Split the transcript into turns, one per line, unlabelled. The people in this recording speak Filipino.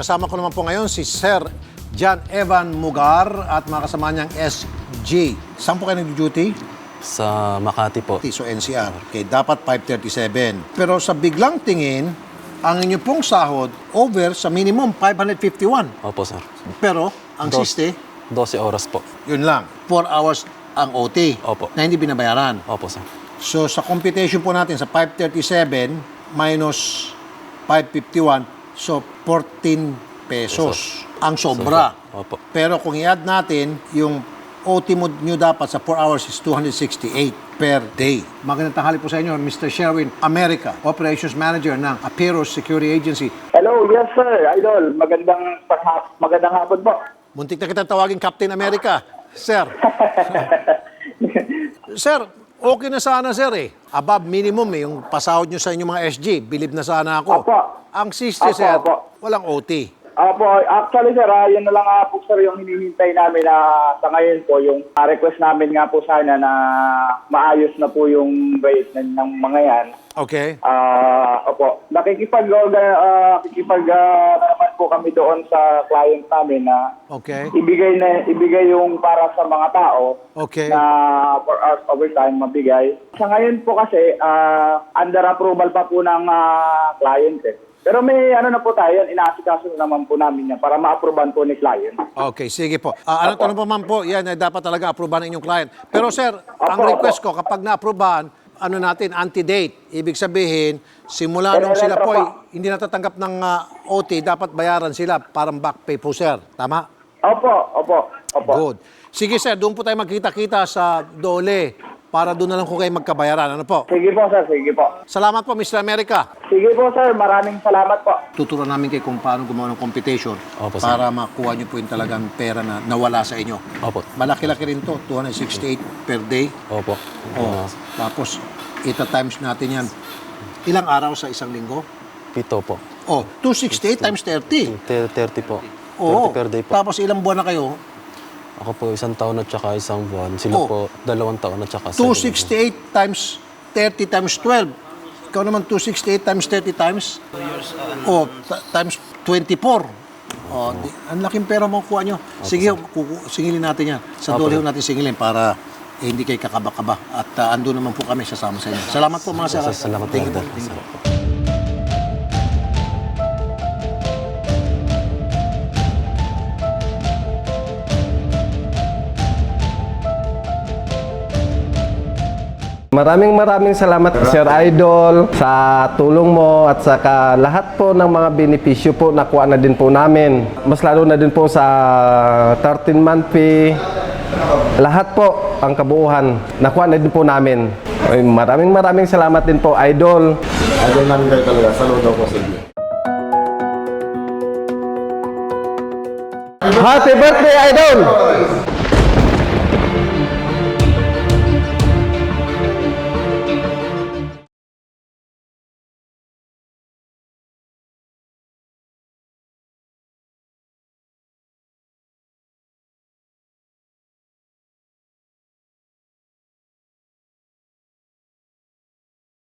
kasama ko naman po ngayon si Sir John Evan Mugar at mga kasama niyang SJ. Saan po kayo nag-duty?
Sa Makati po.
So NCR. Okay, dapat 537. Pero sa biglang tingin, ang inyo pong sahod over sa minimum 551.
Opo, sir.
Pero ang siste,
12 oras po.
yun lang. 4 hours ang OT
Opo.
na hindi binabayaran.
Opo, sir.
So sa computation po natin sa 537 minus 551, so 14 pesos ang sobra.
Opo.
Pero kung i-add natin, yung OT mo nyo dapat sa 4 hours is 268 per day. Magandang tanghali po sa inyo, Mr. Sherwin America, Operations Manager ng Aperos Security Agency.
Hello, yes sir, Idol. Magandang hapon po.
Muntik na kita tawagin Captain America, Sir. Sir, okay na sana, sir eh. Above minimum eh, yung pasahod nyo sa inyong mga SG. Believe na sana ako.
Opo.
Ang siste,
Opo,
sir,
opo.
walang OT.
Opo, actually sir, yun na lang po sir yung hinihintay namin na sa ngayon po, yung request namin nga po sana na maayos na po yung rate ng mga yan.
Okay.
Opo, nakikipag naman po kami doon sa client namin na
Okay.
ibigay yung para sa mga tao
Okay.
na 4 hours overtime mabigay. Sa ngayon po kasi, under approval pa po ng client eh. Pero may ano na po tayo, inaasikaso naman po namin yan para ma-approvean po ni client.
Okay, sige po. Ano tanong pa man po, yan ay dapat talaga aprobahan ng inyong client. Pero sir, ang
Opo,
request ko, kapag na-aprobahan, ano natin, anti-date. Ibig sabihin, simula nung
Pero
sila
letra
po
pa.
hindi natatanggap ng OT, dapat bayaran sila, parang back pay po, sir. Tama?
Opo.
Good. Sige sir, doon po tayo magkita-kita sa Dole para doon na lang kung kayo magkabayaran. Ano po?
Sige po sir, sige po.
Salamat po, Mr. America.
Sige po sir, maraming salamat po.
Tuturuan namin kayo kung paano gumawa ng computation
Opo, sir.
para makuha nyo po yung talagang pera na nawala sa inyo.
Opo.
Malaki-laki rin to, 268 per day.
Opo.
Oh, tapos, ita-times natin yan. Ilang araw sa isang linggo?
7 po.
Oh, 268 times 30.
30 po. 30
Oo.
per day po.
Tapos ilang buwan na kayo?
Ako po 1 taon at saka 1 buwan. Sila
Oh.
po 2 taon at saka
268 times 30 times 12. Ikaw naman 268 times 30 times? Oh, times 24. Oh, ang laking pera mo kuha nyo. Sige, singilin natin yan. Sa
Opo.
dole ho natin singilin para hindi kayo kakaba-kaba. At ando naman po kami sasama sa inyo. Salamat po mga sir.
Salamat
Thank you
po.
po. Thank you po.
Maraming salamat Sir Idol sa tulong mo at saka lahat po ng mga benepisyo po nakuha na din po namin. Mas lalo na din po sa 13-month fee. Lahat po ang kabuuhan nakuha na din po namin. Ay, maraming salamat din po Idol.
Idol namin kayo talaga. Saludo po sa inyo.
Happy birthday Idol!